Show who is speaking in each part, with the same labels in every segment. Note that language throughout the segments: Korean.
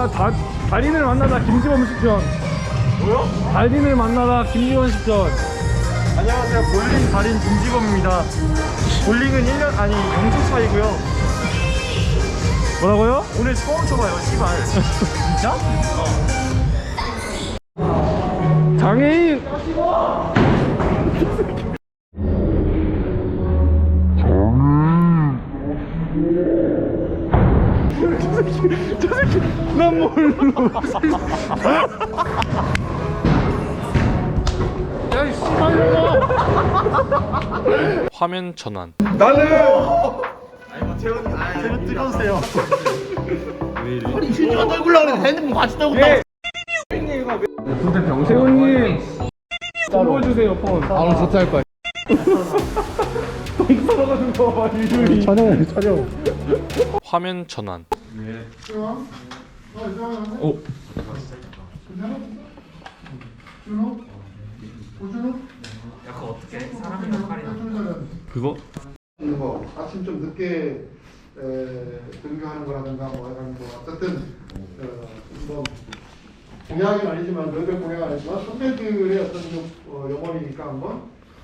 Speaker 1: 달인을 만나다 김지원 식전.
Speaker 2: 뭐요?
Speaker 1: 달인을 만나다 김지원 식전.
Speaker 2: 안녕하세요. 볼링 달인 김지범입니다. 볼링은 1년 아니 0초 차이고요.
Speaker 1: 뭐라고요?
Speaker 2: 오늘 처음 쳐봐요. 씨발. 진짜?
Speaker 1: 장애인. 저 새끼 난 뭘로 야이 씨발놈아.
Speaker 3: 화면 전환.
Speaker 1: 나는
Speaker 2: 제가 찍어주세요.
Speaker 4: 아니 실제로 떨굴라 그랬는데 핸드폰 같이 떨고
Speaker 1: 예. 세훈님 폰 주세요 폰.
Speaker 4: 바로 조퇴할 거야.
Speaker 1: 똥 썰어가는 거 봐. 유유히 촬영.
Speaker 3: 화면 전환.
Speaker 1: 오. 그거
Speaker 5: 있는 거 아침 좀 늦게 등교하는 거라든가 뭐 이런 거 어쨌든 뭐 공약은 아니지만 너희들 공약은 아니지만 선배들의 어떤 좀 영혼이니까 한번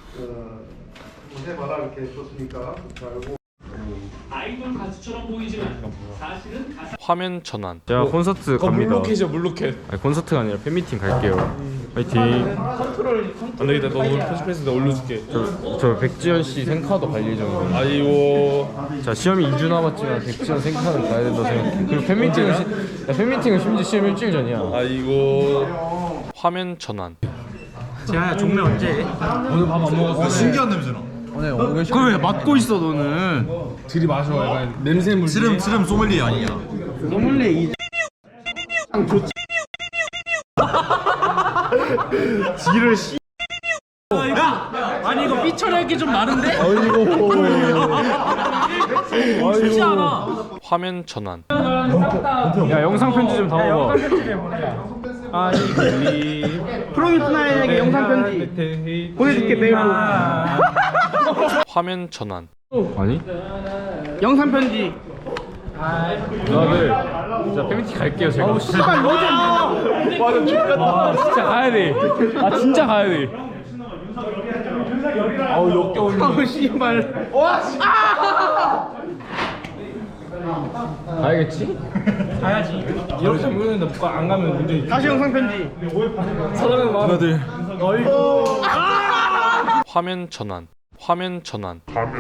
Speaker 5: 해봐라 이렇게 줬으니까 그렇게 알고.
Speaker 6: 아이돌 가수처럼 보이지만 사실은 가수
Speaker 3: 화면 전환.
Speaker 1: 제가 콘서트 갑니다.
Speaker 6: 물로켓이야 물로켓.
Speaker 1: 아니, 콘서트가 아니라 팬미팅 갈게요. 파이팅. 안 되겠다. 너 오늘 편집해서 내가 올려줄게. 저 백지연 씨 생카도 갈 예정이에요. 아이고. 자 시험이 2주 남았지만 백지연 생카는 가야 된다 생각해. 그리고 팬미팅은 심지어 시험 일주일 전이야. 아이고.
Speaker 3: 화면 전환.
Speaker 2: 재하야 종례 언제?
Speaker 1: 오늘 밥 안 먹었어.
Speaker 4: 신기한 냄새나.
Speaker 2: 그걸 왜 맡고 있어 너는?
Speaker 1: 들이 마셔. 약간 냄새 물.
Speaker 4: 스름 소믈리에 아니냐?
Speaker 2: 소믈리에 이 지를 씨.
Speaker 6: 아니 이거 삐처리할 좀 많은데?
Speaker 1: 쉽지
Speaker 6: 않아.
Speaker 3: 화면 전환.
Speaker 1: 야 영상 편지 좀 담아봐.
Speaker 2: 프로듀스나에게 영상 편지 보내줄게 메일로.
Speaker 3: 화면 전환.
Speaker 1: 아니?
Speaker 2: 영상 편지.
Speaker 1: 누나들 진짜 팬미팅 갈게요 제가.
Speaker 2: 씨발 너좀
Speaker 1: 아 진짜 가야 돼. 아 진짜 가야 돼. 아우 역겨운.
Speaker 2: 씨발.
Speaker 1: 가야겠지? 가야지. 이렇게 보는데 안 가면 문제 있지.
Speaker 2: 다시 영상 편지.
Speaker 1: 사랑하는 누나들.
Speaker 3: 화면 전환. 화면 전환.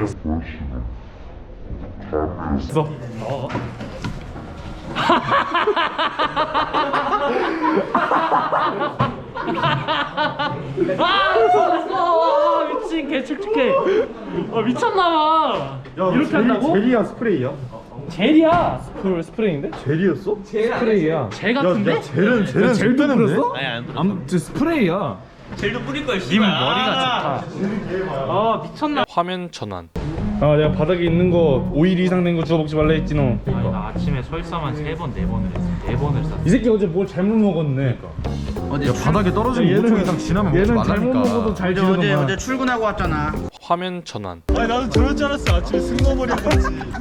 Speaker 6: 미친 개축축해. 미쳤나봐. 이렇게 한다고?
Speaker 2: 젤리야 스프레이야?
Speaker 6: 젤이야.
Speaker 1: 스프레이인데?
Speaker 2: 젤이었어?
Speaker 1: 스프레이야.
Speaker 6: 젤 같은데?
Speaker 2: 젤은
Speaker 1: 젤도
Speaker 2: 뿌렸는데?
Speaker 1: 뿌렸어? 저 스프레이야.
Speaker 6: 님 머리가 좋다. 아 미쳤나?
Speaker 3: 화면 전환.
Speaker 1: 아 내가 바닥에 있는 거 5일 이상 된 거 주워 먹지 말라 했지 너.
Speaker 6: 나 아침에 설사만 3번 4번을 했어. 4번을 샀어.
Speaker 1: 이 새끼 어제 뭘 잘못 먹었네.
Speaker 4: 야 바닥에 떨어진 5초 이상 지나면 먹지
Speaker 1: 얘는 잘못
Speaker 4: 말라니까.
Speaker 1: 먹어도 잘 지르더만.
Speaker 2: 어제 출근하고 왔잖아.
Speaker 3: 화면 전환.
Speaker 4: 아니 나도 저럴 줄 알았어. 아침에 승모머리 같이.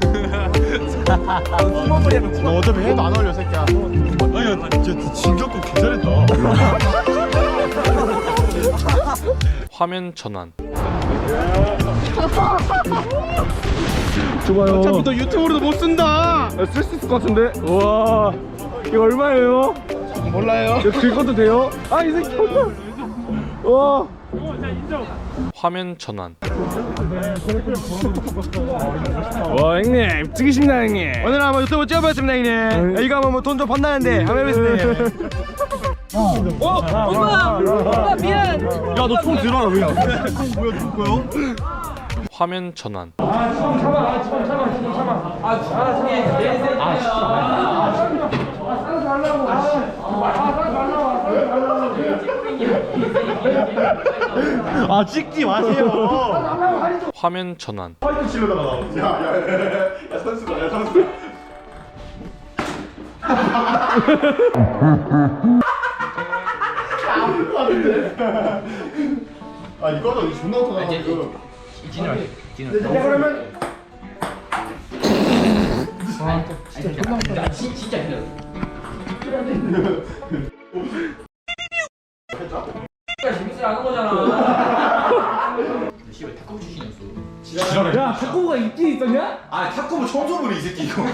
Speaker 4: 승모머리 하면 너 어차피 해도 안 어울려 새끼야. 아니 진짜 진격고 개잘했다.
Speaker 3: 화면 전환.
Speaker 1: 좋아요.
Speaker 2: 어차피 너 유튜브로도 못 쓴다.
Speaker 1: 쓸 수 있을 것 같은데. 우와. 이거 얼마예요?
Speaker 2: 몰라요.
Speaker 1: 이거 긁어도 돼요? 아 이 새끼. 와.
Speaker 3: 화면 전환.
Speaker 1: 와 형님 찍으십니다 형님.
Speaker 2: 오늘 한번 유튜브 찍어봤습니다 형님. 이거 한번 뭐 돈 좀 받나는데 한번 해보겠습니다.
Speaker 6: 오빠 미안.
Speaker 2: 야너 총 들어라 왜? 뭐야 누구요?
Speaker 3: 화면 전환.
Speaker 2: 아 찍지 마세요.
Speaker 3: 화면 전환.
Speaker 5: 아 이거는 존나 터나 지금.
Speaker 2: 그러면
Speaker 6: 야 탁구가 있긴 있었냐?
Speaker 4: 아 탁구부 처음 써보네 이 새끼 이거.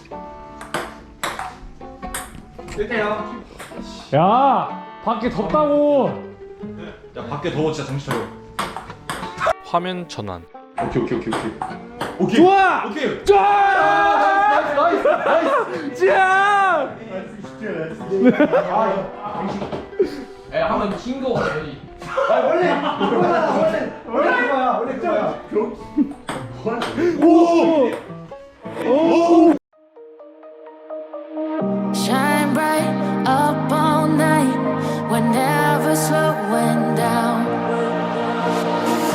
Speaker 6: 야 밖에 덥다고.
Speaker 4: 야 밖에 더워 진짜 정신 차려.
Speaker 3: 화면 전환.
Speaker 4: 오케이 오케이 오케이 오케이. 오케이.
Speaker 6: 좋아.
Speaker 4: 오케이.
Speaker 6: 자.
Speaker 5: 원래 그거야. 원래 그거야.